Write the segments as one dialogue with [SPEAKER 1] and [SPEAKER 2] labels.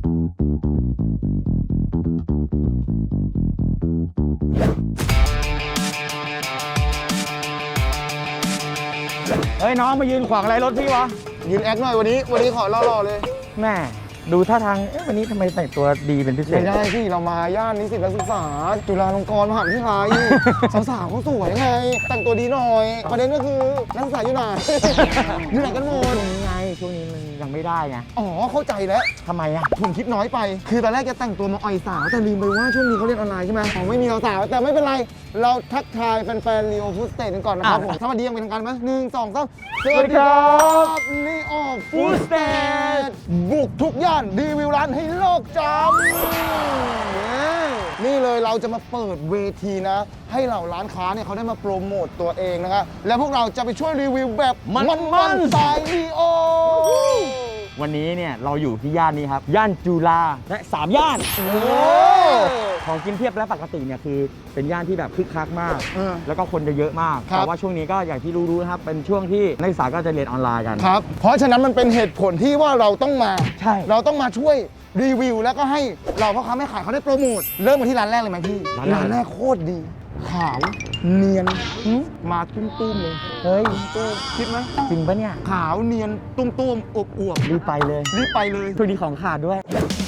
[SPEAKER 1] เฮ้ยน้องมายืนขวางอะไรรถพี่วะ
[SPEAKER 2] ยืนแอคหน่อยวันนี้ขอหล่อๆเลย
[SPEAKER 1] แม่ดูท่าทางวันนี้ทำไมแต่งตัวดีเป็นพิเศษ
[SPEAKER 2] ไม่ได้พี่เรามาย่านนิสิตนักศึกษาจุฬาลงกรณ์มหาวิทยาลัย สาวๆเขาสวยไงแต่งตัวดีหน่อยประเด็นก็คือนักศึกษาอยู่ไหน อยู่ไหนกันหมด
[SPEAKER 1] ช่วงนี้มันยังไม่ได้ไง
[SPEAKER 2] อ๋อเข้าใจแล้ว
[SPEAKER 1] ทำไมอ่ะ
[SPEAKER 2] ผมคิดน้อยไปคือตอนแรกจะแต่งตัวมาอ่อยสาวแต่ลืมไปว่าช่วงนี้เขาเรียนออนไลน์ใช่ไหมอ๋อไม่มีสาวแต่ไม่เป็นไรเราทักทายแฟนๆลีโอฟู้ดสเตทกันก่อนนะครับผมสวัสดียังเป็นทางการไหม1 2 3สวัสดีครับลีโอฟู้ดสเตทบุกทุกย่านรีวิวร้านให้โลกจำนี่เลยเราจะมาเปิดเวทีนะให้เหล่าร้านค้าเนี่ยเขาได้มาโปรโมตตัวเองนะครับและพวกเราจะไปช่วยรีวิวแบบมันๆสายลีโอ
[SPEAKER 1] วันนี้เนี่ยเราอยู่ที่ย่านนี้ครับย่านจุฬาและ3ย่านของกินเพียบและปกติเนี่ยคือเป็นย่านที่แบบคึกคักมากแล้วก็คนจะเยอะมากแต่ว่าช่วงนี้ก็อย่างที่รู้ๆนะครับเป็นช่วงที่นักศึกษาก็จะเรียนออนไลน์กัน
[SPEAKER 2] ครับเพราะฉะนั้นมันเป็นเหตุผลที่ว่าเราต้องมา
[SPEAKER 1] ใช่
[SPEAKER 2] เราต้องมาช่วยรีวิวแล้วก็ให้เราพ่อค้าแม่ขายเขาได้โปรโมทเริ่มมาที่ร้านแรกเลยไหมพี่ร้านแรกโคตรดีขาวเนียนมาตุ้มๆเลย
[SPEAKER 1] เฮ้ย
[SPEAKER 2] ตุ้มคิดไหม
[SPEAKER 1] จริงปะเนี่ย
[SPEAKER 2] ขาวเนียนตุ้มๆอวบ
[SPEAKER 1] รีบไปเลยช่วงนี้ของขาดด้วย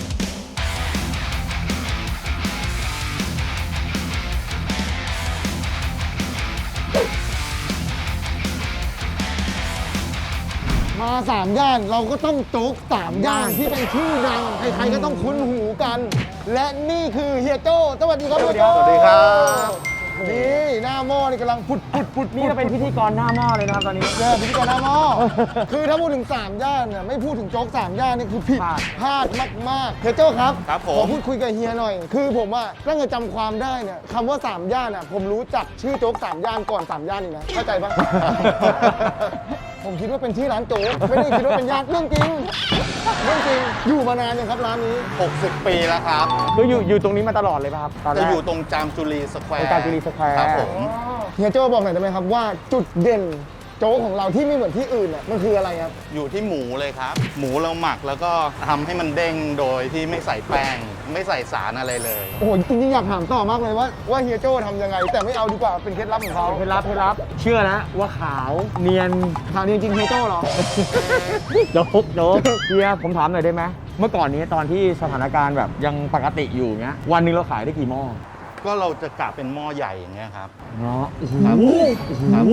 [SPEAKER 2] มา3ย่านเราก็ต้องโจ๊ก3ย่านที่เป็นชื่อดังใครๆก็ต้องคุ้นหูกันและนี่คือเฮียโจ้สวัสดีครับเฮียโจ้
[SPEAKER 3] สวัสดีครับ
[SPEAKER 2] นี่หน้าหม้อนี่กำลังพุด
[SPEAKER 1] นี่เราเป็นพิธีกรหน้าหม้อเลยนะครับตอนนี้
[SPEAKER 2] พิธีกรหน้าหม้อคือถ้าพูดถึง3ย่านเนี่ยไม่พูดถึงโจ๊ก3ย่านนี่คือผิดพลาดมากๆเฮียโจ้ครับขอพูดคุยกับเฮียหน่อยคือผมอะตั้งแต่จำความได้เนี่ยคำว่า3ย่านอะผมรู้จักชื่อโจ๊ก3ย่านก่อน3ย่านอีกนะเข้าใจปะ ผมคิดว่าเป็นที่ร้านโจ๊กไม่ได้คิดว่าเป็นย่านเรื่องจริงอยู่มานานยังครับร้านนี้
[SPEAKER 3] 60 ปีแล้วครับ
[SPEAKER 1] คืออยู่ตรงนี้มาตลอดเลยป่ะครับ
[SPEAKER 3] จะอยู่ตรงจามจุรีสแควร์
[SPEAKER 1] ครับ
[SPEAKER 3] ผม
[SPEAKER 2] เฮียโจ้บอกหน่อยได้ไหมครับว่าจุดเด่นโจ๊กของเราที่ไม่เหมือนที่อื่นเนี่ยมันคืออะไรครับ
[SPEAKER 3] อยู่ที่หมูเลยครับหมูเราหมักแล้วก็ทำให้มันเด้งโดยที่ไม่ใส่แป้งไม่ใส่สารอะไรเลย
[SPEAKER 2] โอ้โหจริงๆอยากถามต่อมากเลยว่าเฮียโจ้ทำยังไงแต่ไม่เอาดีกว่าเป็นเคล็ดลับของเขา
[SPEAKER 1] เคล็ดลับเชื่อนะว่าขาวเนียน
[SPEAKER 2] จริงเฮียโจ้เหรอ
[SPEAKER 1] โจ๊กเฮียผมถามหน่อยได้ไหมเมื่อก่อนนี้ตอนที่สถานการณ์แบบยังปกติอยู่เงี้ยวันนึงเราขายได้กี่หม้อ
[SPEAKER 3] ก็เราจะกะเป็นหม้อใหญ่อย่างเงี้ยครับ
[SPEAKER 1] เนาะโอ้โห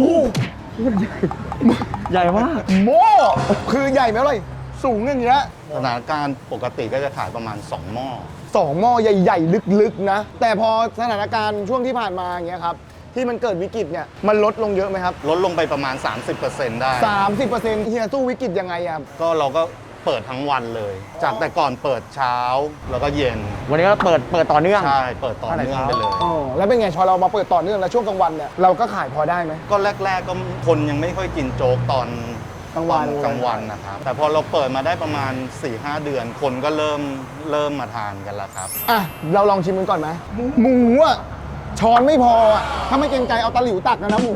[SPEAKER 1] ใหญ่มาก
[SPEAKER 2] โม่คือใหญ่ไหมเลยสูงอย่างเงี้ย
[SPEAKER 3] สถานการณ์ปกติก็จะขายประมาณ2หม้อ
[SPEAKER 2] 2หม้อใหญ่ๆลึกๆนะแต่พอสถานการณ์ช่วงที่ผ่านมาอย่างเงี้ยครับที่มันเกิดวิกฤตเนี่ยมันลดลงเยอะไหมครับ
[SPEAKER 3] ลดลงไปประมาณ 30% ได้
[SPEAKER 2] 30%เฮียสู้วิกฤตยังไงครับ
[SPEAKER 3] ก็เราก็เปิดทั้งวันเลยจากแต่ก่อนเปิดเช้าแล้วก็เย็น
[SPEAKER 1] วันนี้ก็เปิดต่อเนื่อง
[SPEAKER 3] ใช่เปิดต่อเนื่องไปเลย
[SPEAKER 2] แล้วเป็นไงพอเรามาเปิดต่อเนื่องแล้วช่วงกลางวันเนี่ยเราก็ขายพอได้ไหม
[SPEAKER 3] ก็แรกๆก็คนยังไม่ค่อยกินโจ๊กตอน
[SPEAKER 2] กลาง
[SPEAKER 3] วันนะครับแต่พอเราเปิดมาได้ประมาณ 4-5 เดือนคนก็เริ่มมาทานกันแล้วครับ
[SPEAKER 2] เราลองชิมกันก่อนไหมหมูอ่ะช้อนไม่พออ่ะถ้าไม่เกรงใจเอาตะหลิวตักนะหมู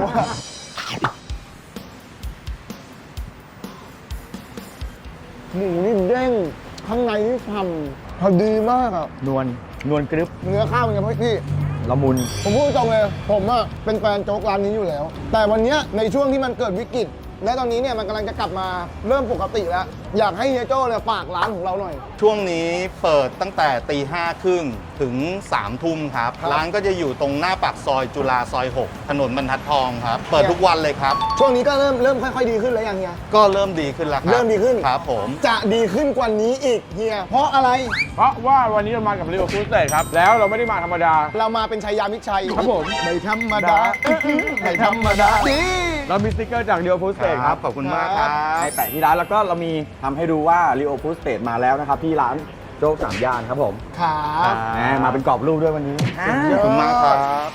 [SPEAKER 2] หมูนี่เด้งข้างในนี่ฉ่ำพอดีมากอ่ะ
[SPEAKER 1] นวลกรึบ
[SPEAKER 2] เนื้อข้าวเป็นไงพี่
[SPEAKER 1] ละมุน
[SPEAKER 2] ผมพูดตรงเลยผมอ่ะเป็นแฟนโจ๊กร้านนี้อยู่แล้วแต่วันนี้ในช่วงที่มันเกิดวิกฤตและตอนนี้เนี่ยมันกำลังจะกลับมาเริ่มปกติแล้วอยากให้เฮียโจ้เลยฝากร้านของเราหน่อย
[SPEAKER 3] ช่วงนี้เปิดตั้งแต่5:30 ถึง 3 ทุ่มครับร้านก็จะอยู่ตรงหน้าปากซอยจุฬาซอย 6 ถนนบรรทัดทองครับเปิดทุกวันเลยครับ
[SPEAKER 2] ช่วงนี้ก็เริ่มค่อยๆดีขึ้นแล้วยังเฮีย
[SPEAKER 3] ก็เริ่มดีขึ้นแล้วครับ
[SPEAKER 2] เริ่มดีขึ้น
[SPEAKER 3] ครับผม
[SPEAKER 2] จะดีขึ้นกว่านี้อีกเฮียเพราะอะไร
[SPEAKER 1] เพราะว่าวันนี้เรามากับลีโอฟู้ดสเตทครับแล้วเราไม่ได้มาธรรมดา
[SPEAKER 2] เรามาเป็นชัยยามิตรชัย
[SPEAKER 1] ครับผม
[SPEAKER 2] ไม่ธรรมดาไม่ธรรมดาดี
[SPEAKER 1] เรามีสติ๊กเกอร์จากลีโอฟู้ดสเตทครับ
[SPEAKER 3] ขอบคุณมากครับ
[SPEAKER 1] ให้แปะที่ร้านแล้วก็เรามีทำให้ดูว่าลีโอฟู้ดสเตทมาแล้วนะครับที่ร้านโจ๊ก3 ย่านครับผม
[SPEAKER 2] ครับ
[SPEAKER 1] มาเป็นกรอบรูปด้วยวันนี้
[SPEAKER 3] ขอบคุณมากครับ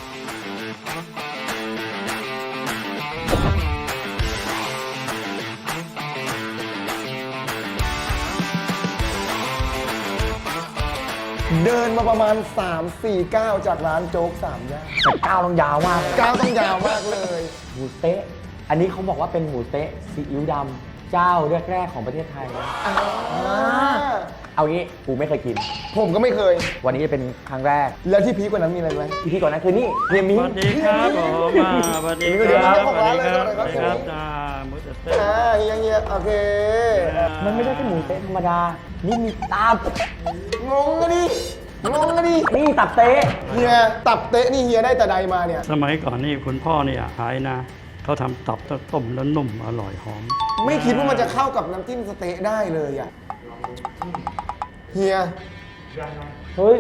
[SPEAKER 2] เดินมาประมาณ 3-4 ก้าวจากร้านโจ๊ก3 ย่าน
[SPEAKER 1] แต่ก้าวต้องยาวมาก
[SPEAKER 2] ก้าวต้องยาวมากเลย
[SPEAKER 1] หมูเต๊ะอันนี้เขาบอกว่าเป็นหมูเต๊ะซีอิ๊วดำเจ้าแรกๆของประเทศไทยเอางี้กูไม่เคยกิน
[SPEAKER 2] ผมก็ไม่เคย
[SPEAKER 1] วันนี้จะเป็นครั้งแรก
[SPEAKER 2] แล้วที่พีคกว่านั้นมีอะไรไหม
[SPEAKER 1] ที่ก่อนนั้นคือนี่เฮียมิ้
[SPEAKER 4] ส
[SPEAKER 1] ง
[SPEAKER 4] วัสดีครับผมสวัสดีครับสวัสดีครับสวัสดีครับจ้ามุสเต้
[SPEAKER 2] เฮียโอเค
[SPEAKER 1] มันไม่ได้แค่หมูเต๊ะธรรมดา นี่มีตับ
[SPEAKER 2] งงกันดิงงกันดิ
[SPEAKER 1] นี่ตับเต๊ะ
[SPEAKER 2] เฮียตับเตะนี่เฮียได้แต่ใดมาเนี่ย
[SPEAKER 4] สมัยก่อนนี่คุณพ่อเนี่ยขายนะเขาทำตับต้มแล้วนุ่มอร่อยหอม
[SPEAKER 2] ไม่คิดว่ามันจะเข้ากับน้ำจิ้มสเต๊ะได้เลยอ่ะเฮีย
[SPEAKER 1] เฮ้ย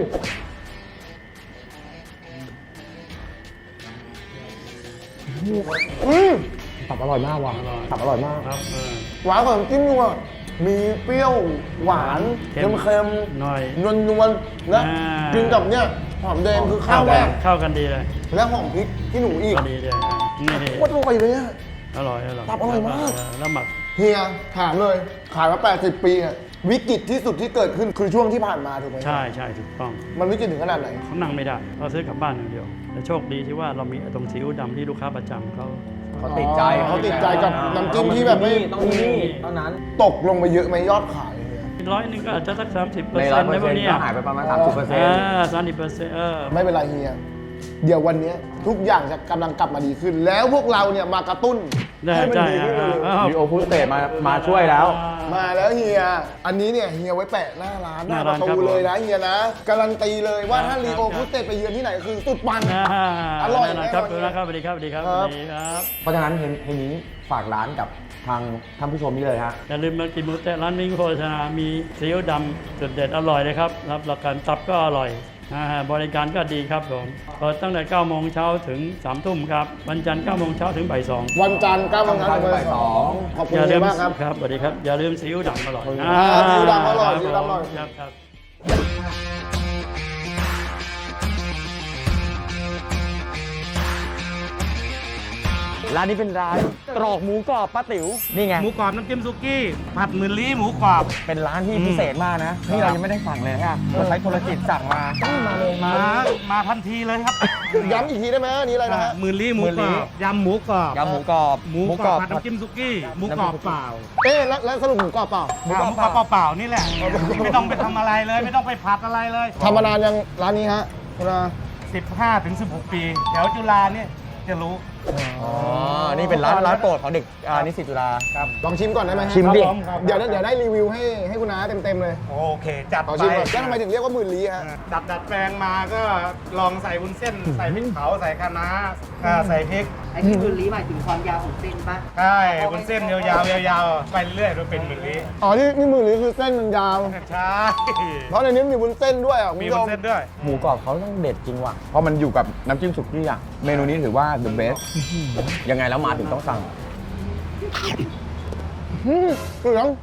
[SPEAKER 1] ตับอร่อยมากว่ะตับอร่อยมาก
[SPEAKER 4] ครับ
[SPEAKER 2] หวานกว่าน้ำจิ้มนัวมีเปรี้ยวหวาน
[SPEAKER 4] เค็
[SPEAKER 2] เค็ม
[SPEAKER 4] มหน่อย
[SPEAKER 2] นวลๆนะ
[SPEAKER 4] อ่า
[SPEAKER 2] กินกับเนี่ยหอมแดงคือข้าวแม่
[SPEAKER 4] เข้ากันดีเลย
[SPEAKER 2] และหอมพริกที่หนูอีก
[SPEAKER 4] พอดีเลยนี่
[SPEAKER 2] โคตรอร่อยเลยอะ
[SPEAKER 4] อร่อยอร่อย
[SPEAKER 2] ตับอร่อยมาก
[SPEAKER 4] แล้วหมัก
[SPEAKER 2] เฮียถามเลย ขายมา 80 ปีอะวิกฤตที่สุดที่เกิดขึ้นคือช่วงที่ผ่านมาถูกไหม
[SPEAKER 4] ใช่ใช่ถูกต้อง
[SPEAKER 2] มันวิกฤตถึงขนาดไหน
[SPEAKER 4] เขานั่งไม่ได้เราซื้อกลับบ้านอย่างเดียวแต่โชคดีที่ว่าเรามีตรงซีอิ๊วดำที่ลูกค้าประจำเขา
[SPEAKER 1] เขาติดใจ
[SPEAKER 2] เขาติดใจกับน้ำจิ้มที่แบบไม่
[SPEAKER 1] ต้องที่นี่เท่านั้น
[SPEAKER 2] ตกลงไปเยอะไหมยอดขายเฮีย
[SPEAKER 4] ร้อยหนึงก็อาจจะสัก30%
[SPEAKER 1] ใน100%
[SPEAKER 4] ในพวกเนี้ย
[SPEAKER 1] ก็หายไปประมาณ 30%
[SPEAKER 2] ไม่เป็นไรเฮีย เดี๋ยววันนี้ทุกอย่างจะกำลังกลับมาดีขึ้น แล้วพวกเราเนี่ยมากระตุ้น
[SPEAKER 4] ได้
[SPEAKER 2] ให้มัน
[SPEAKER 4] ใช่
[SPEAKER 2] ดีขึ้นเร็ว
[SPEAKER 1] มีโอฟูสเตทมาช่วยแล้ว
[SPEAKER 2] ๆมาแล้วเฮีย อันนี้เนี่ยเฮียไว้แปะหน้าร้านหน้าประตูเลยนะเฮียนะการันตีเลยว่าถ้ารีโอฟุตเตไปเยือนที่ไหนคือสุดปัง อร่อยแน่
[SPEAKER 4] ครับ
[SPEAKER 2] วันนี้
[SPEAKER 4] ครับสวัสดีครับสวัสดีครับ
[SPEAKER 2] ค
[SPEAKER 4] ส
[SPEAKER 2] รับ
[SPEAKER 4] วัสดีครับ
[SPEAKER 1] เพราะฉะนั้นเฮยมิ้งฝากร้านกับทางท่านผู้ชมนี่เลยฮะ
[SPEAKER 4] อย่าลืมมากินหมูเตะร้านมิ้งโภชนา มีซีอิ๊วดำจุดเด็ดอร่อยเลยครับรับประกันตับก็อร่อยบริการก็ดีครับผมเปิดตั้งแต่9โมงเช้าถึง3ทุ่มครับวันจันทร์9โมงเช้าถึงบ่าย2
[SPEAKER 2] วันจันทร์9โมงเช้าถึงบ่าย2ขอบคุณ
[SPEAKER 4] อย่าลื
[SPEAKER 2] เฮีย
[SPEAKER 4] ม
[SPEAKER 2] มากครับ
[SPEAKER 4] ครับสวัสดีครับอย่าลืมซีอิ๊วดำอร่อย
[SPEAKER 2] ซีอิ๊วดำอร่อยซีอิ๊วดำอร่อย
[SPEAKER 4] ครับครับ
[SPEAKER 1] ร้านนี้เป็นร้านตรอกหมูกรอบป้าติ๋วนี่ไง
[SPEAKER 5] หมูกรอบน้ำจิ้มซุกี้ ผัดหมื่นลี้หมูกรอบ
[SPEAKER 1] เป็นร้านที่พิเศษมากนะ นี่เรายังไม่ได้สั่งเลยฮะเราใช้โทรจิตสั่งมามาเลย
[SPEAKER 5] มาทันทีเลยครับ
[SPEAKER 2] ย้ำอีกทีได้ไหมอันนี้อะไรนะฮะ
[SPEAKER 5] หมื่นลี้หมู
[SPEAKER 1] หมื่น
[SPEAKER 5] กร
[SPEAKER 1] ลี้
[SPEAKER 5] อบยำหมูกรอบ
[SPEAKER 1] ยำหมูกรอบ
[SPEAKER 5] หมูกรอบผัดน้ำจิ้มซุกี้หมูกรอบเปล่า
[SPEAKER 2] เอ๊ะแล้วสรุปหมูกรอบเปล่า
[SPEAKER 5] หมูกรอบเปล่าๆนี่แหละ ไม่ต้องไปทำอะไรเลย ไม่ต้องไปผัดอะไรเลย
[SPEAKER 2] ทำมานานยังร้านนี้ฮะคุณอา
[SPEAKER 5] 15 ถึง 16 ปีแถวจุฬาเนี่ยจะรู้
[SPEAKER 1] อ๋อ นี่เป็นร้านโปรดของเด็กนิสิตจุฬา
[SPEAKER 2] ลองชิมก่อนได้ไหมฮะ
[SPEAKER 1] ชิมดิ
[SPEAKER 2] เดี๋ยวได้รีวิวให้คุณอาเต็มๆเลย
[SPEAKER 5] โอเค จัด
[SPEAKER 2] ขอ
[SPEAKER 5] ไป
[SPEAKER 2] ชิมก่อนแล้วทำไมถึงเรียกว่าหมื่นลี้ฮะ
[SPEAKER 5] ดัดแปลงมาก็ลองใส่วุ้นเส้น ใส่พริกเผาใส่คะน้าใส่พริก
[SPEAKER 6] ไอ้ที่คุณลีหมายถึงความยาวของเส้นปะ
[SPEAKER 5] ใช่วุ้นเส้นยาวๆไปเรื่อยๆจนเป็นหมื่นลี้
[SPEAKER 2] อ๋อนี่หมื่นลี้คือเส้นมันยาว
[SPEAKER 5] ใช่
[SPEAKER 2] เพราะในนี้มีวุ้นเส้นด้วยอ่ะคุณ
[SPEAKER 5] มี
[SPEAKER 2] ผู้ช
[SPEAKER 5] วุ้
[SPEAKER 2] ม
[SPEAKER 5] นเส้นด้วย
[SPEAKER 1] หมูกรอบเขาต้องเด็ดจริงว่ะ เพราะมันอยู่กับน้ำจิ้มสุกี้อ่ะ เมนูนี้ถือว่า the best ยังไงแล้วมาถึงต้องสั่ง
[SPEAKER 2] เสียง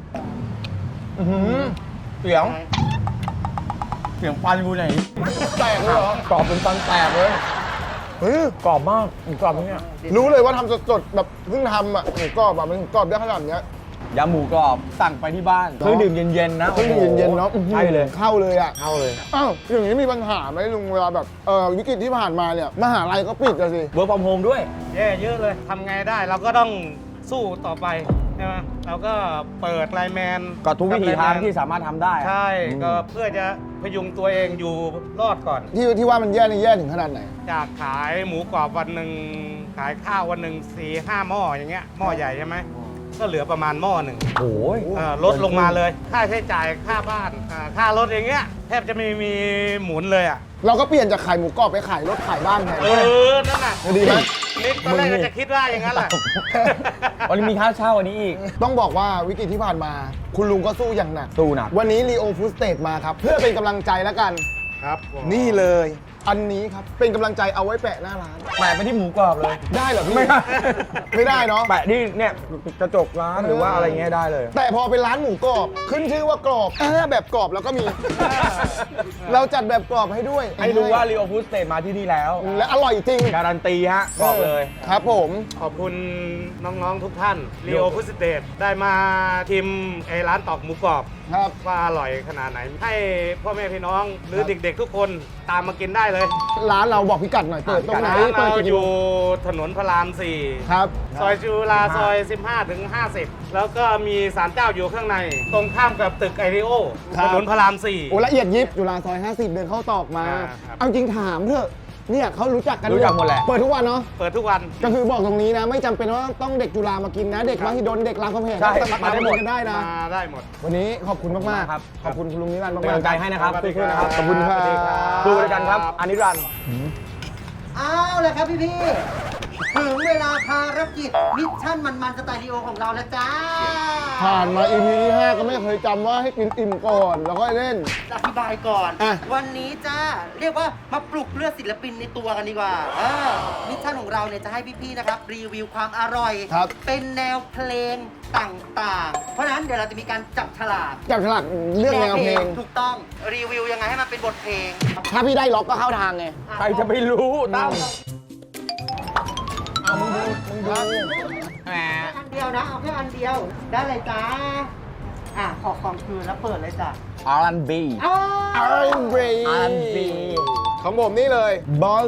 [SPEAKER 1] เสียง เสียงฟันกูไหน
[SPEAKER 2] แตกเลยเหรอก
[SPEAKER 1] รอบเป็นฟันแตกเลย
[SPEAKER 2] เฮ้ย
[SPEAKER 1] กรอบมากหมูกรอบเนี่ย
[SPEAKER 2] รู้เลยว่าทำสดๆแบบเพิ่งทำอ่ะหมูกรอบอ่ะมันกรอบได้ขนาดเนี้ย
[SPEAKER 1] ยำหมูกรอบสั่งไปที่บ้านเครื่องดื่มเย็นๆนะ
[SPEAKER 2] เครื่องดื่มเย็นๆเนาะ
[SPEAKER 1] ใช่เลย
[SPEAKER 2] เข้าเลยอ่ะ
[SPEAKER 1] เข้าเลย
[SPEAKER 2] อ้าวอย่างนี้มีปัญหาไหมลุงเวลาแบบวิกฤตที่ผ่านมาเนี่ยมหาลัยก็ปิดอะสิ
[SPEAKER 1] เวิร์กฟอร์มโฮมด้วย
[SPEAKER 5] แย่เยอะเลย ทำไงได้เราก็ต้องสู้ต่อไปใช่ไหมเราก็เปิดไลน์แมน
[SPEAKER 1] ก็ทุกวิถีทาง
[SPEAKER 5] กับไลน์แมน
[SPEAKER 1] ที่สามารถทำได้
[SPEAKER 5] ใช่
[SPEAKER 1] อืม
[SPEAKER 5] ก็เพื่อจะพยุงตัวเองอยู่รอดก่อน
[SPEAKER 2] ที่ว่ามันแย่นี่แย่ถึงขนาดไหน
[SPEAKER 5] จากขายหมูกรอบวันหนึ่งขายข้าววันหนึ่ง4-5 หม้ออย่างเงี้ยหม้อใหญ่ใช่ไหมก็เหลือประมาณหม้อหนึ่ง
[SPEAKER 1] โอ้ย
[SPEAKER 5] ลดลงมาเลย ค่าใช้จ่ายค่าบ้านค่ารถอย่างเงี้ยแทบจะไม่มีหมุนเลยอ่ะ
[SPEAKER 2] เราก็เปลี่ยนจากขายหมูกรอบไปขายรถขายบ้านแทน
[SPEAKER 5] นั่นน่ะ
[SPEAKER 2] ดีไหม
[SPEAKER 5] นิดตอนแรกก็จะคิดว่าอย่างนั้นแหละ
[SPEAKER 1] วันนี้มีค่าเช่าอันนี้อีก
[SPEAKER 2] ต้องบอกว่าวิกฤตที่ผ่านมา คุณลุงก็สู้อย่างหนัก
[SPEAKER 1] สู้หนัก
[SPEAKER 2] วันนี้รีโอฟูสเตทมาครับ เพื่อเป็นกำลังใจแล้วกัน
[SPEAKER 5] ครับผม
[SPEAKER 2] นี่เลย อันนี้ครับ เป็นกำลังใจเอาไว้แปะหน้าร้าน
[SPEAKER 1] แปะไปที่หมูกรอบเลย
[SPEAKER 2] ได้เหรอพี่
[SPEAKER 1] ไม่ได้
[SPEAKER 2] ไม่ได้เนาะ
[SPEAKER 1] แปะที่เนี่ยกระจกร้านหรือว่าอะไรเงี้ยได้เลย
[SPEAKER 2] แต่พอเป็นร้านหมูกรอบ ขึ้นชื่อว่ากรอบแบบกรอบแล้วก็มี เราจัดแบบกรอบให้ด้วย
[SPEAKER 1] ให้รู้ว่า Rio Food State มาที่นี่แล้ว
[SPEAKER 2] และอร่อยจริง
[SPEAKER 1] การันตีฮะ บอกเลย
[SPEAKER 2] ครับผม
[SPEAKER 5] ขอบคุณน้องๆทุกท่านรีโอพุสเตทได้มาชิมไอ้ร้านตอกหมูกรอบ
[SPEAKER 2] ครับ
[SPEAKER 5] ว่าอร่อยขนาดไหน ให้พ่อแม่พี่น้องหรือเด็กๆทุกคนตามมากินได้เลย
[SPEAKER 2] ร้านเราบอกพิกัดหน่อยเปิดตรงไหน
[SPEAKER 5] ร้าน
[SPEAKER 2] เปิด
[SPEAKER 5] เรา
[SPEAKER 2] กี่
[SPEAKER 5] อ
[SPEAKER 2] โม
[SPEAKER 5] ยู่
[SPEAKER 2] ง
[SPEAKER 5] ถนนพระราม
[SPEAKER 2] ครับ
[SPEAKER 5] 4 ซอยจุฬาซอย 15 ถึง 50 แล้วก็มีศาลเจ้าอยู่ข้างใน ตรงข้ามกับตึกไอริโอ
[SPEAKER 2] ครับ
[SPEAKER 5] ถนนพระราม
[SPEAKER 2] โอ้ละเอียดยิบจุฬาซอย 50 เดินเข้าตอกมา
[SPEAKER 5] ครับ
[SPEAKER 2] เอาจริงถามเถอะเนี่ยเขารู้จักกัน
[SPEAKER 1] รู้จักหมดแหละ
[SPEAKER 2] เปิดทุกวันเนาะ
[SPEAKER 5] 4 เปิดทุกวัน
[SPEAKER 2] ก็คือบอกตรงนี้นะ ไม่จำเป็นว่าต้องเด็กจุฬามากินนะ เด็กมหิดลเด็กรามคำแหง
[SPEAKER 1] ใช่
[SPEAKER 2] ก็สามารถ
[SPEAKER 1] มาได้หมด
[SPEAKER 2] กินกันได้นะ
[SPEAKER 5] มาได้หมด
[SPEAKER 2] วันนี้ขอบคุณมากๆ
[SPEAKER 1] ครับ
[SPEAKER 2] ขอบคุณคุณลุงนิรันดร์มาก
[SPEAKER 1] เป็นกำลังใจให้นะครับ
[SPEAKER 5] สวัสดี
[SPEAKER 1] สู้ๆนะครับ
[SPEAKER 2] ขอบคุณครับ
[SPEAKER 5] สวัสดีครับ
[SPEAKER 1] ดูด้วยกันครับอานิรันดร์
[SPEAKER 6] เอาเลยครับพี่ๆถึงเวลาภารกิจมิชชั่นมันๆสไตล์ลีโอของเราแล้วจ้า
[SPEAKER 2] ผ่านมา EP ที่ 5 ก็ไม่เคยจำว่าให้กินอิ่มก่อน แล้วก็เล่น
[SPEAKER 6] อธิบายก่อน
[SPEAKER 2] อ่ะ
[SPEAKER 6] วันนี้จ้าเรียกว่ามาปลุกเลือดศิลปินในตัวกันดีกว่ามิชชั่นของเราเนี่ยจะให้พี่ๆนะครับรีวิวความอร่อย
[SPEAKER 2] ครับ
[SPEAKER 6] เป็นแนวเพลงต่างๆ เพราะฉะนั้นเดี๋ยวเราจะมีการจับฉลาก
[SPEAKER 2] จับฉลากเรื่องแนวเพลง
[SPEAKER 6] ถูกต้องรีวิวยังไงให้มันเป็นบทเพลง
[SPEAKER 2] ถ้าพี่ได้ล็อกก็เข้าทางไง
[SPEAKER 1] ใครจะไปรู้ตั้ม
[SPEAKER 2] เอามึงดู
[SPEAKER 1] แหม
[SPEAKER 6] อันเดียวนะเอาแค่อันเดียวได้เลยจ้าขอความคืนแล้วเปิดเลยจ้ะ
[SPEAKER 1] R&B
[SPEAKER 6] อ้าว
[SPEAKER 2] R&B
[SPEAKER 1] R&B
[SPEAKER 2] ของผมนี่เลยบอล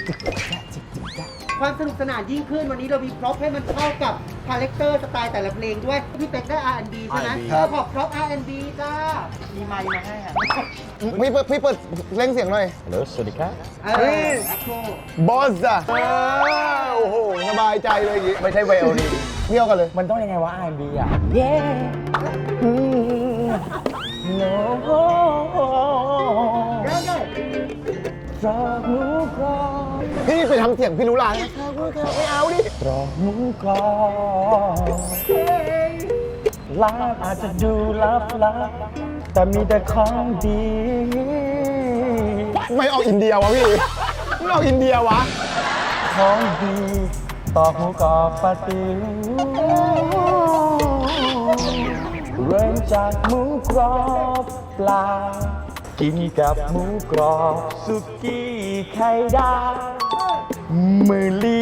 [SPEAKER 6] ความสนุกสนานยิ่งขึ้นวันนี้เรามีพร็อพให้มันเข้ากับคาแรคเตอร์สไตล์แต่ละเพลงด้วย พี่เป็กได้ R&B ใช่ไหม
[SPEAKER 1] R&B
[SPEAKER 2] ครับ
[SPEAKER 6] ขอพร็อพ R&B จ้า มีไมค์มาให้อ่ะ
[SPEAKER 2] พี่เปิดเล่งเสียงหน่อย
[SPEAKER 1] ฮัลโหลสวัสดีครับ
[SPEAKER 6] แอคโค
[SPEAKER 2] บอสอะโอ้โห สบายใจเลยอย่างงี้
[SPEAKER 1] ไม่ใช่ไวโอลิน
[SPEAKER 2] เที่ยวกันเลย
[SPEAKER 1] มันต้องยังไงวะ R&B อ่ะ Yeah No
[SPEAKER 6] เดี๋ยว
[SPEAKER 1] ตรอกหมูกรอบ
[SPEAKER 2] พี่ไปทำเสียงพี่รู้ลางไม่เอาดิ
[SPEAKER 1] ตรอกหมูกรอบลาบอาจจะดูลับแต่มีแต่ของดี
[SPEAKER 2] ไม่ออกอินเดียวะพี่ ไม่ออกอินเดียวะ
[SPEAKER 1] ของดีตอกหมูกรอบปลาติ๋วเริ่มจากหมูกรอบปลากินกับหมูกรอบสุกี้ไข่ดาวมือลี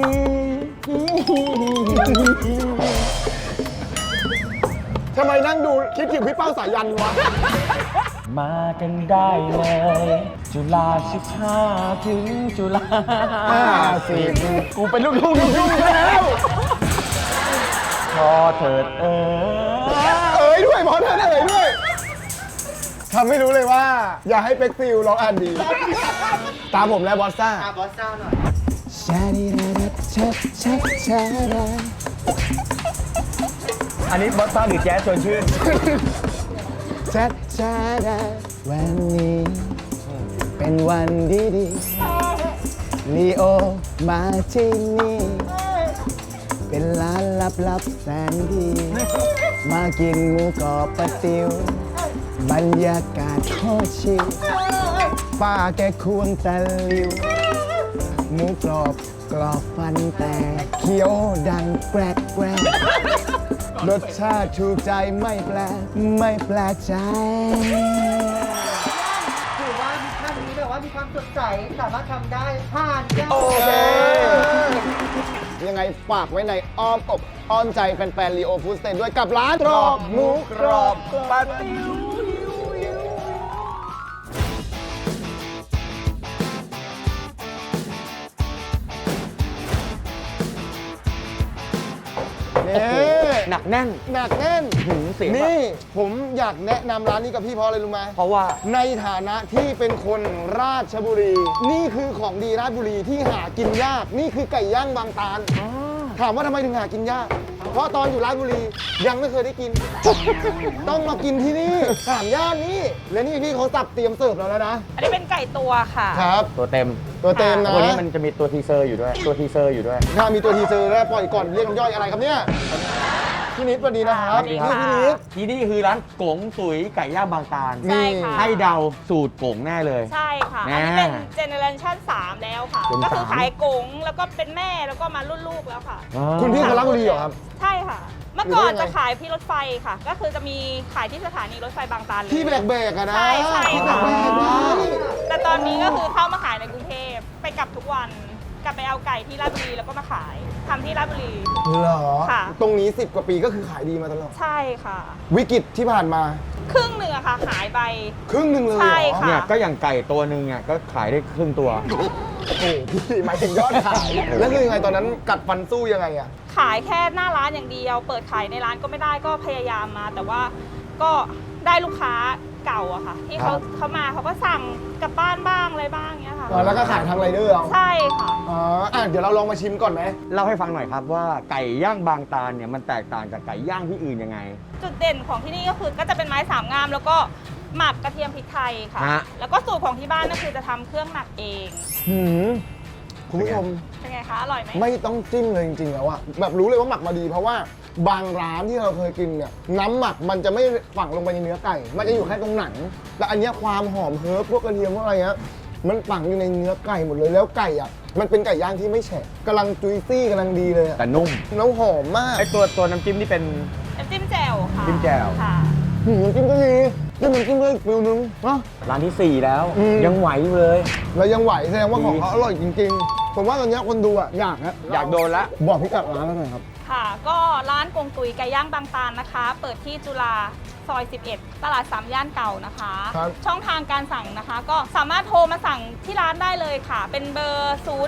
[SPEAKER 2] ทำไมนั่งดูคิดถึงพี่เป้าสายันวะ
[SPEAKER 1] มากันได้เลย จุฬา15 ถึงจุฬา50กูเป็นลูกทุ่งยุ่งแล้ว พอเถิด
[SPEAKER 2] เอ๋ยด้วยพอเธอเอ๋ยด้วยทำให้รู้เลยว่า อย่าให้เป็กซิลร้องอันดี ตามผมแล้วบอสซ่า
[SPEAKER 6] บอสซ่าหน่อย
[SPEAKER 2] ชาดีดาชัดชัดชาดา
[SPEAKER 1] อันนี้บอสซ่าหรือแจ๊สชวนชื่น
[SPEAKER 2] ชัดชาดาวันนี้เป็นวันดีๆลีโอมาที่นี่เป็นร้านลับๆแสนดี มากินหมูกรอบปลาติ๋วบรรยากาศโคตรชิลป้าแกควงตะลิว หมูกรอบกรอบฟันแต่เคี้ยวดังแกรกแกรกรสชาติถูกใจไม่แปลกใจ
[SPEAKER 6] ถือว่ามิชชั่นนี้แบบว่ามีความสดใสสามารถทำได้ผ่านจ้า
[SPEAKER 2] โอเค ยังไงฝากไว้ในอ้อมอกอ้อมใจแฟนๆลีโอฟู้ดสเตนด้วยกับร้านตรอกหมูกรอบปาติ๋วนี่
[SPEAKER 1] หนักแน่น
[SPEAKER 2] หนักแน่น
[SPEAKER 1] เสียงแบบ
[SPEAKER 2] นี่ผมอยากแนะนำร้านนี้กับพี่เพราะอะไรรู้ไหม
[SPEAKER 1] เพราะว่า
[SPEAKER 2] ในฐานะที่เป็นคนราชบุรี นี่คือของดีราชบุรีที่หากินยาก นี่คือไก่ย่างบางตาล ถามว่าทำไมถึงหากินยาก เพราะตอนอยู่ราชบุรียังไม่เคยได้กิน ต้องมากินที่นี่สามย่านนี้ และนี่พี่เขาสับเตรียมเสิร์ฟเราแล้วนะ
[SPEAKER 7] อันนี้เป็นไก่ตัวค่ะ
[SPEAKER 2] ครับ
[SPEAKER 1] ตัวเต็ม
[SPEAKER 2] ตัวเต็มนะ
[SPEAKER 1] วันนี้มันจะมีตัวทีเซอร์อยู่ด้วย ตัวทีเซอร์อยู่ด้วย
[SPEAKER 2] ถ้ามีตัวทีเซอร์แล้วปล่อยก่อนเรียกน้ำย่อยอะไรครับเนี่ยพี่นิดสวัสดีนะครับ
[SPEAKER 7] สวัสดีค่ะ
[SPEAKER 2] นี่พี่นิด
[SPEAKER 1] ที่นี่คือร้านกงสุยไก่ย่างบางตาล
[SPEAKER 7] ใช่ค่ะ
[SPEAKER 1] ให้เดาสูตรกงแน่เลย
[SPEAKER 7] ใช่ค่ะ
[SPEAKER 1] แน่
[SPEAKER 7] อันนี้เป็นเจเนอเรชัน3แล้วค่ะ
[SPEAKER 1] เป็น
[SPEAKER 7] ก็คือ
[SPEAKER 1] 3
[SPEAKER 7] ขายกงแล้วก็เป็นแม่แล้วก็มารุ่นลูกแล้วค่ะ
[SPEAKER 2] คุณพี่คนราชบุรีเหรอครับ
[SPEAKER 7] ใช่ค่ะ เมื่อก่อน
[SPEAKER 2] อยู่ได้ยังไง
[SPEAKER 7] จะขายที่รถไฟค่ะ ก็คือจะมีขายที่สถานีรถไฟบางตาลเลย
[SPEAKER 2] ที่แบกๆอะนะ
[SPEAKER 7] ใช่ใช่
[SPEAKER 2] ที่
[SPEAKER 7] ค่ะ
[SPEAKER 2] แบกๆนะ
[SPEAKER 7] แต่ตอนนี้ก็คือเข้ามาขายในกรุงเทพไปกลับทุกวันกลับไปเอาไก่ที่ราชบุรีแล้วก็มาขายทำที่ราชบุรี
[SPEAKER 2] เหรอ
[SPEAKER 7] ค่ะ
[SPEAKER 2] ตรงนี้10 กว่าปีก็คือขายดีมาตลอด
[SPEAKER 7] ใช่ค่ะ
[SPEAKER 2] วิกฤตที่ผ่านมา
[SPEAKER 7] ครึ่งหนึ่งอะค่ะหายไป
[SPEAKER 2] ครึ่งหนึ่งเลยเหรอ
[SPEAKER 7] ใช่ค่ะ
[SPEAKER 1] เนี่ยก็อย่างไก่ตัวหนึ่งเนี่ยก็ขายได้ครึ่งตัว
[SPEAKER 2] โอ้โหพี่หมายถึงยอดขาย แล้วคือยังไงตอนนั้นกัดฟันสู้ยังไงอะ
[SPEAKER 7] ขายแค่หน้าร้านอย่างเดียว เปิดขายในร้านก็ไม่ได้ก็พยายามมา แต่ว่าก็ได้ลูกค้าเก่าอะค่ะ ที่เขามาเขาก็สั่งกลับบ้านบ้างอะไรบ้างเงี้ยค่ะ
[SPEAKER 2] อ๋อแล้วก็ขายทางไรเดอร์เอา
[SPEAKER 7] ใช่ค่ะ
[SPEAKER 2] อ๋อเดี๋ยวเราลองมาชิมก่อนไหม
[SPEAKER 1] เล่าให้ฟังหน่อยครับว่าไก่ย่างบางตาลเนี่ยมันแตกต่างจากไก่ย่างที่อื่นยังไง
[SPEAKER 7] จุดเด่นของที่นี่ก็คือก็จะเป็นไม้สามงาม แล้วก็หมักกระเทียมพริกไทยค่ะ
[SPEAKER 1] ฮะ
[SPEAKER 7] แล้วก็สูตรของที่บ้านก็คือจะทำเครื่องหมักเอง
[SPEAKER 2] หืมคุณผู้ชม
[SPEAKER 7] เป็นไงคะอร่อยไหม
[SPEAKER 2] ไม่ต้องจิ้มเลยจริงๆแล้วอะแบบรู้เลยว่าหมักมาดี เพราะว่าบางร้านที่เราเคยกินเนี่ยน้ำหมักมันจะไม่ฝังลงไปในเนื้อไก่ มันจะอยู่แค่ตรงหนังแต่อันเนี้ยความหอมเฮิร์บพวกกระเทียมพวกอะไรเงี้ยมันฝังอยู่ในเนื้อไก่หมดเลยแล้วไก่อะมันเป็นไก่ย่างที่ไม่แฉะกำลังจุยซี่กำลังดีเลยอะ
[SPEAKER 1] แต่นุ่ม
[SPEAKER 2] แล้วหอมมาก
[SPEAKER 1] ไอตัวน้ำจิ้มนี่เป็น
[SPEAKER 7] น้ำจิ้มแจ่วค่ะ
[SPEAKER 1] จิ้มแจ่ว
[SPEAKER 7] ค่ะ
[SPEAKER 2] น้ำจิ้มก็ดีจิ้มน้ำจิ้มก็อีกฟิลนึงเนาะ
[SPEAKER 1] ร้านที่ 4 แล้ว
[SPEAKER 2] อืม
[SPEAKER 1] ยังไหวอยู่เลย
[SPEAKER 2] แล้วยังไหวแสดงว่า
[SPEAKER 1] ดี
[SPEAKER 2] ของเขาอร่อยจริงๆผมว่าตอนเนี้ยคนดูอะอยากนะ
[SPEAKER 1] อยากโดนละ
[SPEAKER 2] บอกพิกัดร้านแล้วหน่อยครับ
[SPEAKER 7] ค่ะ ก็ร้านกงตุยไก่ย่างบางตาลนะคะ เปิดที่จุฬาซอย 11 ตลาด 3 ย่านเก่านะคะ
[SPEAKER 2] ครับ
[SPEAKER 7] ช่องทางการสั่งนะคะ ก็สามารถโทรมาสั่งที่ร้านได้เลยค่ะ เป็นเบอร์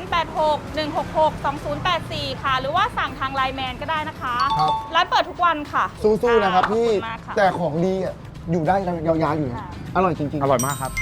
[SPEAKER 7] 0861662084 ค่ะ หรือว่าสั่งทางไลน์แมนก็ได้นะคะ
[SPEAKER 2] ครับ
[SPEAKER 7] ร้านเปิดทุกวันค่ะ
[SPEAKER 2] สู้ๆนะครับ
[SPEAKER 7] ขอบ
[SPEAKER 2] พี่
[SPEAKER 7] คุณมากค่ะ
[SPEAKER 2] แต่ของดีอ่ะอยู่ได้ยาวๆอยู่นะ
[SPEAKER 7] ค่ะ
[SPEAKER 2] อร่อยจริงๆ
[SPEAKER 1] อร่อยมากครับ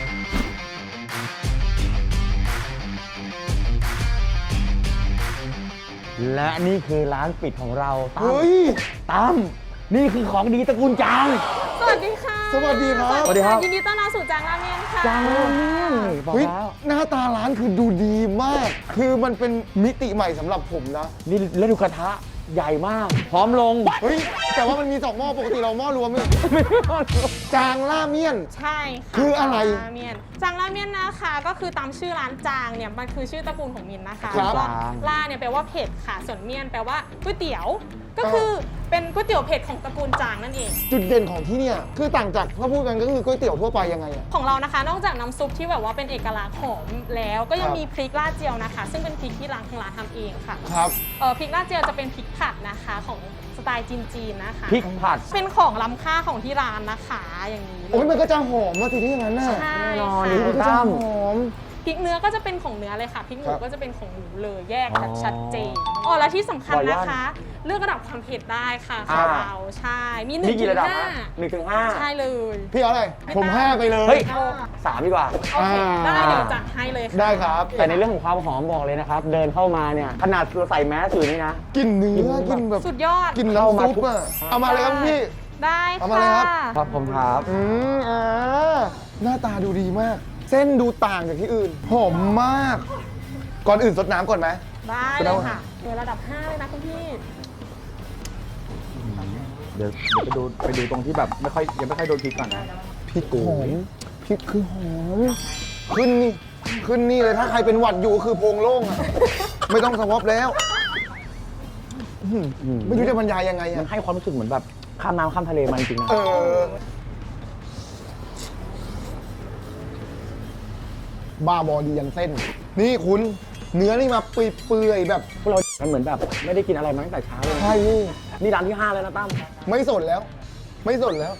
[SPEAKER 1] และนี่คือร้านปิดของเราตั้ม
[SPEAKER 2] เฮ้ย
[SPEAKER 1] ตั้มนี่คือของดีตระกูลจาง
[SPEAKER 8] สวัสดีค่ะ
[SPEAKER 2] สวัสดีครับ
[SPEAKER 1] สวัสดีครับ
[SPEAKER 8] ยินดีต้อนรับสู่จางราเมนค่ะ
[SPEAKER 1] จางเนี่ยบอก
[SPEAKER 2] เฮ้ย
[SPEAKER 1] แล้ว
[SPEAKER 2] หน้าตาร้านคือดูดีมาก คือมันเป็นมิติใหม่สำหรับผมนะ
[SPEAKER 1] นี่แล้วดูกระทะใหญ่มาก พร้อมลง
[SPEAKER 2] เฮ้ย แต่ว่ามันมี2หม้อปกติเราหม้อรวมเนี่ยจางล่าเมี่ยน
[SPEAKER 8] ใช่ค่ะ
[SPEAKER 2] คืออะไร
[SPEAKER 8] จางราเมียนจางราเมียนนะคะ ก็คือตามชื่อร้านจางเนี่ยมันคือชื่อตระกูลของมินนะคะ
[SPEAKER 2] ครับ
[SPEAKER 8] แล้วก็ล่าเนี่ยแปลว่าเผ็ดค่ะ ส่วนเมียนแปลว่าก๋วยเตี๋ยว ก็คือเป็นก๋วยเตี๋ยวเผ็ดของตระกูลจางนั่นเอง
[SPEAKER 2] จุดเด่นของที่เนี่ยคือต่างจากถ้าพูดกันก็คือก๋วยเตี๋ยวทั่วไปยังไงอะ
[SPEAKER 8] ของเรานะคะ นอกจากน้ำซุปที่แบบว่าเป็นเอกลักษณ์หอมแล้ว ก็ยั
[SPEAKER 2] ค
[SPEAKER 8] ง
[SPEAKER 2] รับ
[SPEAKER 8] มีพริกลาดเจียวนะคะ ซึ่งเป็นพริกที่ทางร้านทำเองค่ะ
[SPEAKER 2] ครับ
[SPEAKER 8] พริกลาดเจียวจะเป็นพริกผัดนะคะของสไตล์จีนๆนะคะ
[SPEAKER 1] พริกผัด
[SPEAKER 8] เป็นของล้ำค่าของที่ร้านนะคะอย่างนี้เล
[SPEAKER 2] โอ้ย
[SPEAKER 8] ย
[SPEAKER 2] มันก็จะหอมมาสิที่อย่างนั้นน่ะ
[SPEAKER 8] ใช่
[SPEAKER 1] แน่นอน
[SPEAKER 8] ค่ะ
[SPEAKER 1] นี่
[SPEAKER 2] มันก็จะหอม
[SPEAKER 8] พริกเนื้อก็จะเป็นของเนื้อเลยค่ะพริกหมู
[SPEAKER 2] ครับ
[SPEAKER 8] ก็จะเป็นของหมูเลยแยก
[SPEAKER 1] อ๋อ
[SPEAKER 8] ชัดเจนอ๋อและที่สำคัญ
[SPEAKER 1] ขออนุญาต
[SPEAKER 8] นะคะ เลือกระดับความเผ็ดได้ค่ะ
[SPEAKER 1] อ่า
[SPEAKER 8] ของเราใช่มี1
[SPEAKER 1] นี่กี่ระดับ
[SPEAKER 8] ถึง
[SPEAKER 1] ฮะ
[SPEAKER 8] 5
[SPEAKER 1] 1 ถึง 5
[SPEAKER 8] ใช่เลย
[SPEAKER 2] พี่เอาอะไรผม5ไปเลย
[SPEAKER 1] เฮ้ย 3 ดีกว่า
[SPEAKER 8] โอเค
[SPEAKER 2] อ่า
[SPEAKER 8] ได้เดี๋ยวจัดให้เลยค่ะ
[SPEAKER 2] ได้ครับ
[SPEAKER 1] แต่ในเรื่องของความหอมบอกเลยนะครับ เดินเข้ามาเนี่ย ขนาดเราใส่แมสอยู่นี่นะ
[SPEAKER 2] กินเนื้อ
[SPEAKER 1] กิ
[SPEAKER 2] กิ
[SPEAKER 1] น
[SPEAKER 2] น
[SPEAKER 1] แบ
[SPEAKER 2] แบบ บ
[SPEAKER 8] สุดยอด
[SPEAKER 2] กิน
[SPEAKER 1] เข้า
[SPEAKER 2] น้ำ
[SPEAKER 1] มา
[SPEAKER 2] ซุป
[SPEAKER 1] ทุก
[SPEAKER 2] อะเอามาเลยครับพี่
[SPEAKER 8] ได้
[SPEAKER 2] เอามาเลยครับ
[SPEAKER 1] ครับผมครับ
[SPEAKER 2] หน้าตาดูดีมาก เส้นดูต่างจากที่อื่น หอมมาก ก่อนอื่นสดน้ำก่อนไหม
[SPEAKER 8] ได้เลยค่ะเดี๋ยวระดับ 5 เลยนะคุณพี่
[SPEAKER 1] เดี๋ยวไปดูตรงที่แบบยังไม่ค่อยโดนพริกก่อนนะ
[SPEAKER 2] พริกหอมพริกคือหอม ขึ้นนี่ ขึ้นนี่เลยถ้าใครเป็นหวัดอยู่ก็คือโพรงโล่งอะ ไม่ต้องสวอปแล้วไม่รู้จะบรรยายยังไง
[SPEAKER 1] มั
[SPEAKER 2] อะ
[SPEAKER 1] นให้ความรู้สึกเหมือนแบบข้ามน้ำข้ามทะเลมาจริงๆนะ
[SPEAKER 2] บ้าบอดียันเส้น นี่คุณเนื้อนี่มาเปื่อยๆแบบ
[SPEAKER 1] พวกเรามันเหมือนแบบไม่ได้กินอะไรมาตั้งแต่เช้าเลยนะ
[SPEAKER 2] ใช่
[SPEAKER 1] นี่ร้านที่ 5 แล้วนะตั้ม
[SPEAKER 2] ไม่สดแล้ว ไม่สดแล้ว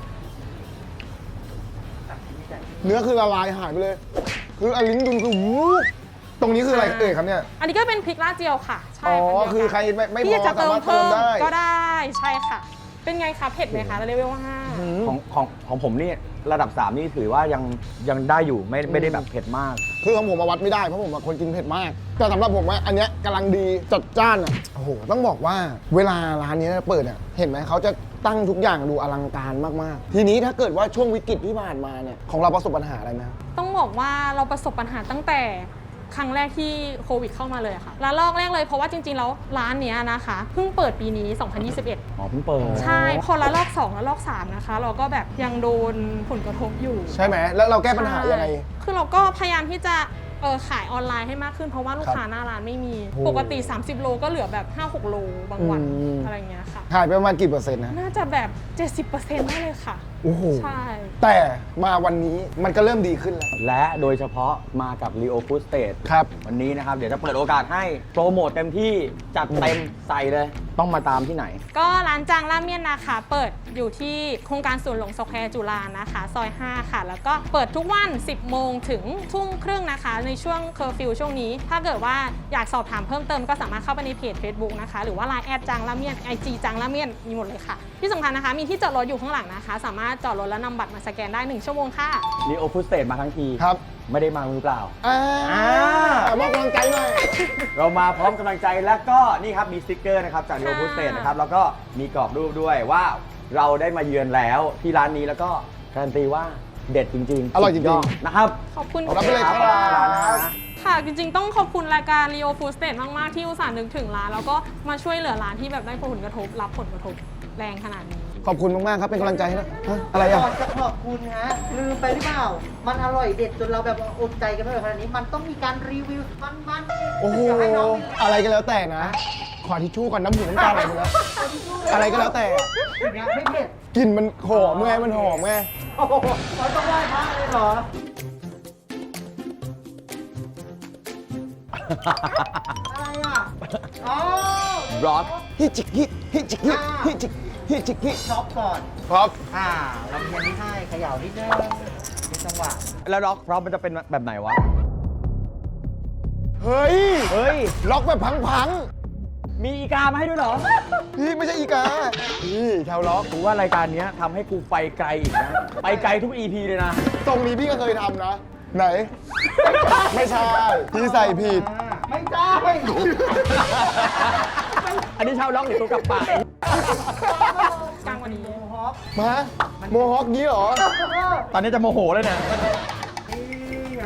[SPEAKER 2] เนื้อคือละลายหายไปเลย คืออลิ้นดุนคือวูบตรงนี้คืออะไรเอ่ยครับเนี่ย
[SPEAKER 8] อันนี้ก็เป็นพริกลาดเจียวค่ะ ใช่
[SPEAKER 2] อ๋อ
[SPEAKER 8] พันธุ์เดียวกัน
[SPEAKER 2] คือใครไม่
[SPEAKER 8] พี่
[SPEAKER 2] พอ
[SPEAKER 8] จะ
[SPEAKER 2] สามารถเติมได้
[SPEAKER 8] ก็ได้ใช่ค่ะ เป็นไงคะเผ็ดไหมคะเลเวล
[SPEAKER 1] ของผมนี่ระดับ 3 นี่ถือว่ายังได้อยู่ไม่ได้แบบเผ็ดมาก
[SPEAKER 2] คือของผมมาวัดไม่ได้เพราะผมเป็นคนกินเผ็ดมาก แต่สำหรับผมว่าอันเนี้ยกำลังดีจัดจ้านอ่ะโอ้โหต้องบอกว่าเวลาร้านนี้เปิดอ่ะเห็นไหมเขาจะตั้งทุกอย่างดูอลังการมากๆ ทีนี้ถ้าเกิดว่าช่วงวิกฤตที่ผ่านมาเนี่ยของเราประสบปัญหาอะไรไหมครับ
[SPEAKER 8] 5ต้องบอกว่าเราประสบปัญหาตั้งแต่ครั้งแรกที่โควิดเข้ามาเลยค่ะระลอกแรกเลยเพราะว่าจริงๆแล้วร้านเนี้ยนะคะเพิ่งเปิดปีนี้ 2021
[SPEAKER 1] อ๋อเพิ่งเปิด
[SPEAKER 8] ใช่ พอระลอก2ระลอก3นะคะ เราก็แบบยังโดนผลกระทบอยู่
[SPEAKER 2] ใช่ไหมแล้วเราแก้ปัญหายังไง
[SPEAKER 8] คือเราก็พยายามที่จะขายออนไลน์ให้มากขึ้นเพราะว่าลูกค้าหน้าร้านไม่มี
[SPEAKER 2] โอ้
[SPEAKER 8] ปกติ 30 โลก็เหลือแบบ 5-6 โลบางวัน
[SPEAKER 2] อืม
[SPEAKER 8] อะไรเงี้ยค่ะ
[SPEAKER 2] ขายไปประมาณกี่เปอร์เซ็นต์นะ
[SPEAKER 8] น่าจะแบบ 70%ได้เลยค่ะ
[SPEAKER 2] โอ้โห
[SPEAKER 8] ใช่
[SPEAKER 2] แต่มาวันนี้มันก็เริ่มดีขึ้นแล้ว
[SPEAKER 1] และโดยเฉพาะมากับ Leo Food State
[SPEAKER 2] ครับ
[SPEAKER 1] วันนี้นะครับ เดี๋ยวจะเปิดโอกาสให้โปรโมทเต็มที่จัดเต็มใส่เลย ต้องมาตามที่ไหน
[SPEAKER 8] ก็ร้านจางราเมียนนะคะ เปิดอยู่ที่โครงการสวนหลวงสแควร์จุฬานะคะ ซอย 5 ค่ะ แล้วก็เปิดทุกวัน 10 โมงถึงทุ่มครึ่งนะคะ ในช่วงเคอร์ฟิวช่วงนี้ ถ้าเกิดว่าอยากสอบถามเพิ่มเติมก็สามารถเข้าไปในเพจ Facebook นะคะ หรือว่า Line แอดจางราเมียน IG จางราเมียนมีหมดเลยค่ะ ที่สำคัญนะคะ มีที่จอดรถอยู่ข้างหลังนะคะ สามารถจอดรถแล้วนำบัตรมาสแกนได้ 1 ชั่วโมงค่ะ
[SPEAKER 1] Leo Food State มาทั้งที
[SPEAKER 2] ครับ
[SPEAKER 1] ไม่ได้มามือเปล่า
[SPEAKER 2] มอบกำลังใจหน่อย
[SPEAKER 1] เรามาพร้อมกำลังใจแล้วก็นี่ครับมีสติ๊กเกอร์นะครับจาก Leo Food State นะครับแล้วก็มีกรอบรูปด้วยว่าเราได้มาเยือนแล้วที่ร้านนี้แล้วก็การันตีว่าเด็ดจริงๆ
[SPEAKER 2] อร่อยจริงๆ
[SPEAKER 1] สุดดนะครับ
[SPEAKER 8] ขอบคุณ
[SPEAKER 2] รับไปเลยครับ
[SPEAKER 8] ค่ะ จริงๆ ต้องขอบคุณรายการ Leo Food State มาก ๆ ที่อุตส่าห์นึกถึงร้าน แล้วก็มาช่วยเหลือร้านที่แบบได้ผลกระทบ รับผลกระทบแรงขนาดนี้
[SPEAKER 2] ขอบคุณมากๆครับ เป็นกำลังใจให้นะฮะอะไร
[SPEAKER 6] ก่
[SPEAKER 2] อ่ะ
[SPEAKER 6] อนจะขอบคุณฮะลืมไปหรือเปล่า มันอร่อยเด็ดจนเราแบบอดใจกันไม่ไหวขนาดนี้ มันต้องมีการรีวิวมัน
[SPEAKER 2] โอ้โห
[SPEAKER 6] เดี๋ยวให้น้อง
[SPEAKER 2] อะไรก็แล้วแต่นะ ขอทิชชู่ก่อนน้ำหูน้ำตาไหลหมดแล้ว อะไรก็แล้วแต่
[SPEAKER 6] อย่างเงี้ยไม่เผ็ด
[SPEAKER 2] กลิ่นมันหอมไงมันหอมไง
[SPEAKER 6] โอ้โหเราต้องไหว้พระเลยเหรอ อะไรอ่ะอ๋อ
[SPEAKER 1] ร็อก
[SPEAKER 2] ฮิจิกฮิฮิจิกฮิฮิจิกฮิจิกฮิ
[SPEAKER 6] ช็อปก่อน
[SPEAKER 2] ครับ
[SPEAKER 6] เราเพียนที่ให้เขย่านิดนึงเป็นจังหวะ
[SPEAKER 1] แล้วร็อกพร้อมมันจะเป็นแบบไหนวะ
[SPEAKER 2] เฮ้ย
[SPEAKER 1] เฮ้ย
[SPEAKER 2] ล็อกแบบพัง
[SPEAKER 1] มีอีกามาให้ด้วยเหรอ
[SPEAKER 2] ๆพี่ไม่ใช่อีกาพี่ชาวล็อก
[SPEAKER 1] กูว่ารายการเนี้ยทำให้กูไปไกลอีกนะ ไปไกลทุก EP เลยนะ
[SPEAKER 2] ตรงนี้พี่ก็เคยทำนะ ไหน ไม่ใช่ พี่ใส่ผิด
[SPEAKER 6] ไม่ได้
[SPEAKER 1] อันนี้ชาวล็อกหรือตัวกับปาก
[SPEAKER 8] กลางวันนี้
[SPEAKER 6] ฮอป
[SPEAKER 2] มาโมฮอคงี้เหรอ
[SPEAKER 1] ตอนนี้จะโมโหเลยนะ
[SPEAKER 6] นี่ไง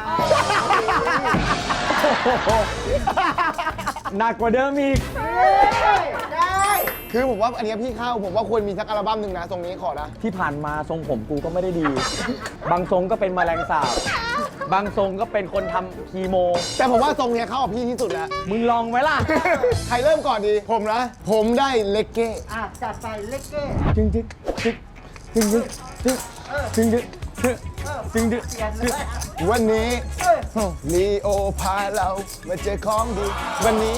[SPEAKER 1] หนักกว่าเดิมอีก
[SPEAKER 6] ได้
[SPEAKER 2] คือผมว่าอันเนี้ยพี่เข้าผมว่าควรมีสักอัลบั้มหนึ่งนะตรงนี้ขอนะ
[SPEAKER 1] ที่ผ่านมาทรงผมกูก็ไม่ได้ดี บางทรงก็เป็นแมลงสาบ บางทรงก็เป็นคนทำคีโม
[SPEAKER 2] แต่ผมว่าทรงเนี้ยเข้ากับพี่ที่สุดแล้ว
[SPEAKER 1] มึงลองไหมล่ะ
[SPEAKER 2] ใครเริ่มก่อนดี ผมนะ ผมได้เลกเก้
[SPEAKER 6] จัดไปเล็กเก้
[SPEAKER 1] จึงจึงจึงจึงจึงจึงจึงจึงจึง
[SPEAKER 6] เปลี่ยนเลย
[SPEAKER 2] วันนี้ลีโอพาเรามาเจอของดี วันนี้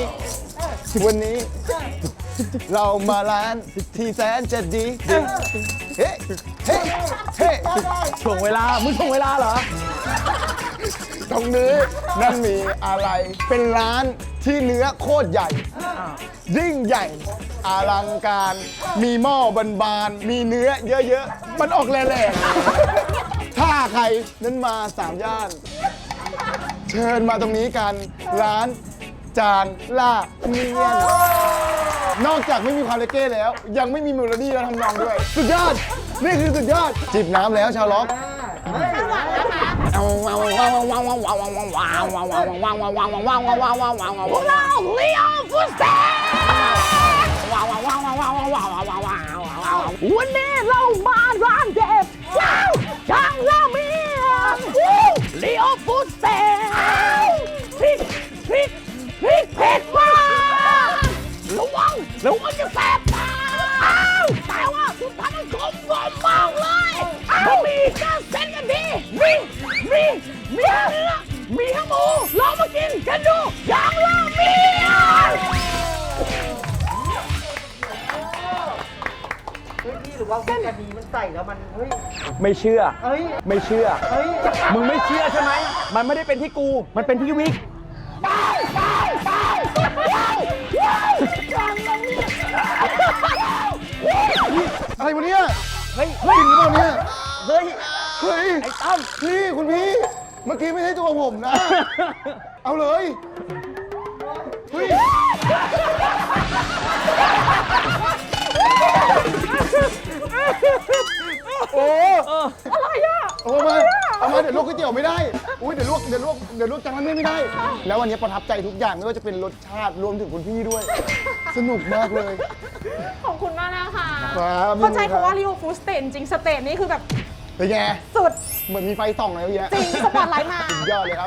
[SPEAKER 2] เรามาร้านที่แสนจะดี เฮ้เฮ้เฮ้
[SPEAKER 1] ถ่วงเวลา มึงถ่วงเวลาเหรอ
[SPEAKER 2] ตรงนี้นั่นมีอะไร เป็นร้านที่เนื้อโคตรใหญ่ ยิ่งใหญ่ อลังการ มีหม้อบานๆมีเนื้อเยอะๆ มันออกแหลกๆถ้าใครนั้นมาสามย่าน เชิญมาตรงนี้กัน ร้านจางล่าเมียน นอกจากไม่มีความเลเก้แล้ว ยังไม่มีเมโลดี้และทำนองด้วย สุดยอด นี่คือสุดยอด จิบน้ำแล้วชาวล็อก
[SPEAKER 1] วันนี้เรามาร้านเด็ดว้าวจางราเมียนลีโอฟูดเตพริกเผ็ดมากระวังจะแสบตาแต่ว่าคุณทำมันกลมมากเลยมีก็เส้นกันดีมีเนื้อมีทั้งหมูลองมากินกันดูจางราเมียน
[SPEAKER 6] เฮ้ยพี่หรือว่าวิกานีมันใส่แล้วมันเฮ้ย
[SPEAKER 1] ไม่เชื่อ
[SPEAKER 6] เฮ้ย
[SPEAKER 1] ไม่เชื่อ
[SPEAKER 6] เฮ้ย
[SPEAKER 1] มึงไม่เชื่อใช่ไหม มันไม่ได้เป็นที่กู มันเป็นที่วิก
[SPEAKER 2] อะไรวะเนี่ย
[SPEAKER 1] เฮ้ย
[SPEAKER 2] กินหรือเปล่าเนี่ย
[SPEAKER 1] เฮ้ย
[SPEAKER 2] เฮ้ย
[SPEAKER 1] ไอ้ตั้ม
[SPEAKER 2] พี่คุณพี่ เมื่อกี้ไม่ใช่ตัวผมนะ เอาเลย เฮ้ย โอ้อะไรอ่ะโอ้มาเอามาเดี๋ยวลวกก๋วยเตี๋ยวไม่ได้ อุ้ยเดี๋ยวลวกจังนั้นไม่ได้ แล้ววันนี้ประทับใจทุกอย่างไม่ว่าจะเป็นรสชาติรวมถึงคุณพี่ด้วย สนุกมากเลย
[SPEAKER 8] ขอบคุณมากนะคะ
[SPEAKER 2] ครับ
[SPEAKER 8] เข้าใจคำว่า Leo Food State จริงๆสเตทนี่คือแบบ
[SPEAKER 2] เป็นไง
[SPEAKER 8] สุด
[SPEAKER 2] เหมือนมีไฟส่องอะไรเยอะ
[SPEAKER 8] จริงสปอตไลท์มา
[SPEAKER 2] สุดยอดเลยครับ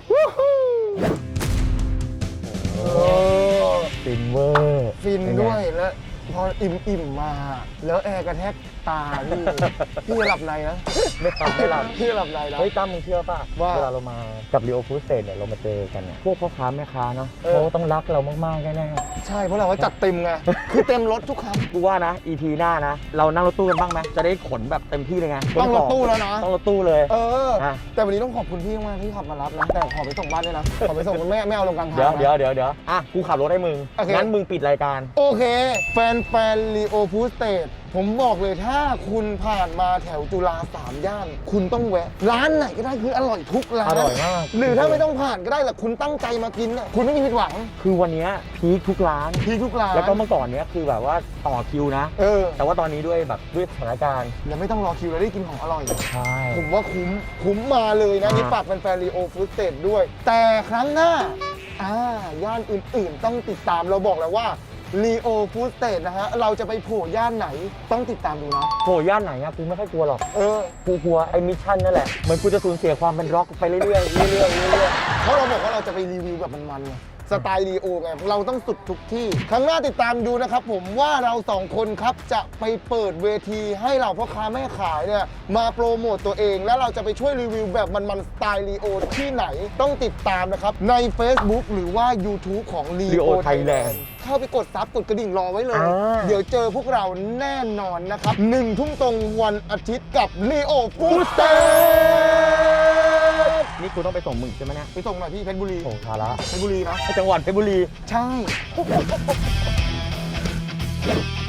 [SPEAKER 1] ฟินเวอร์
[SPEAKER 2] ฟินด้วยแล้วพออิ่มๆมา แล้วแอร์กระแทกตาพี่ พี่จะหลับในนะ
[SPEAKER 1] ไม่ทำให้เรา
[SPEAKER 2] พี่จะหลับในนะ
[SPEAKER 1] เฮ้ยตั้มมึงเชื่อป่ะ
[SPEAKER 2] ว่า
[SPEAKER 1] เวลาเรามากับรีโอฟู้ดสเตทเนี่ยเรามาเจอกันเนี่ยพวกพ่อค้าแม่ค้าเนาะ
[SPEAKER 2] เออ
[SPEAKER 1] เขาต้องรักเรามากๆแน่
[SPEAKER 2] ใช่เพราะเราก็จัดเต็มไง คือเต็มรถทุกครั้ง
[SPEAKER 1] ๆกูว่านะ EP หน้านะ เรานั่งรถตู้กันบ้างไหมจะได้ขนแบบเต็มที่เลยไง
[SPEAKER 2] ต้องรถตู้แล้วนะ
[SPEAKER 1] ต้องรถตู้เลย
[SPEAKER 2] เออ
[SPEAKER 1] อ่ะ
[SPEAKER 2] แต่วันนี้ต้องขอบคุณพี่มากที่ขับมารับนะ แต่ขอไปส่งบ้านด้วยนะ ขอไปส่งไม่เอาลงกลางทาง
[SPEAKER 1] เดี๋ยว
[SPEAKER 2] นะ
[SPEAKER 1] เดี๋ยวอ่ะกูขับรถให้มึง
[SPEAKER 2] โอเค
[SPEAKER 1] งั้นมึงปิดรายการ
[SPEAKER 2] โอเค แฟนลีโอฟูสเตทผมบอกเลยถ้าคุณผ่านมาแถวจุฬา3 ย่าน คุณต้องแวะ ร้านไหนก็ได้คืออร่อยทุกร้าน
[SPEAKER 1] อร่อยมาก
[SPEAKER 2] หรือถ้าไม่ต้องผ่านก็ได้แหละคุณตั้งใจมากินน่ะคุณไม่มีผิดหวัง
[SPEAKER 1] คือวันเนี้ยพีคทุกร้าน
[SPEAKER 2] พีคทุกร้าน
[SPEAKER 1] แล้วก็เมื่อก่อนเนี้ยคือแบบว่าต่อคิวนะ
[SPEAKER 2] เออ
[SPEAKER 1] แต่ว่าตอนนี้ด้วยแบบด้วยสถานการณ์
[SPEAKER 2] แล้วไม่ต้องรอคิวแล้วได้กินของอร่อย
[SPEAKER 1] ใช่
[SPEAKER 2] ผมว่าคุ้มมาเลยนะ นี่ฝากแฟนๆลีโอฟูสเตทด้วย แต่ครั้งหน้าย่านอื่นๆ ต้องติดตามเราบอกแล้วว่าลีโอฟูสเตทนะฮะ เราจะไปโผล่ย่านไหนต้องติดตามดูนะ
[SPEAKER 1] โหย่านไหนอะกูไม่ค่อยกลัวหรอก
[SPEAKER 2] เออ
[SPEAKER 1] กูกลัวไอ้มิชชั่นนั่นแหละเหมือนกูจะสูญเสียความเป็นร็อกไปเรื่อยๆเรื่อยๆ
[SPEAKER 2] เพราะเราบอกว่าเราจะไปรีวิวแบบมันๆไงสไตล์ลีโอไงเราต้องสุดทุกที่ ครั้งหน้าติดตามดูนะครับผมว่าเราสองคนครับจะไปเปิดเวทีให้เราพ่อค้าแม่ขายเนี่ยมาโปรโมตตัวเอง แล้วเราจะไปช่วยรีวิวแบบมันๆสไตล์ลีโอที่ไหนต้องติดตามนะครับใน Facebook หรือว่า YouTube ของ Leo
[SPEAKER 1] Leo
[SPEAKER 2] Thailand เข้าไปกดซับกดกระดิ่งรอไว้เลย เดี๋ยวเจอพวกเราแน่นอนนะครับ1 ทุ่มตรงวันอาทิตย์กับ Leo Food State
[SPEAKER 1] นี่กูต้องไปส่งมึงใช่ไหมเนี่ย
[SPEAKER 2] ไปส่งหน่อยพี่เพชรบุรี
[SPEAKER 1] โอ้ทาระ
[SPEAKER 2] เพชรบุรีนะ
[SPEAKER 1] จังหวัดเพชรบุรี
[SPEAKER 2] ใช่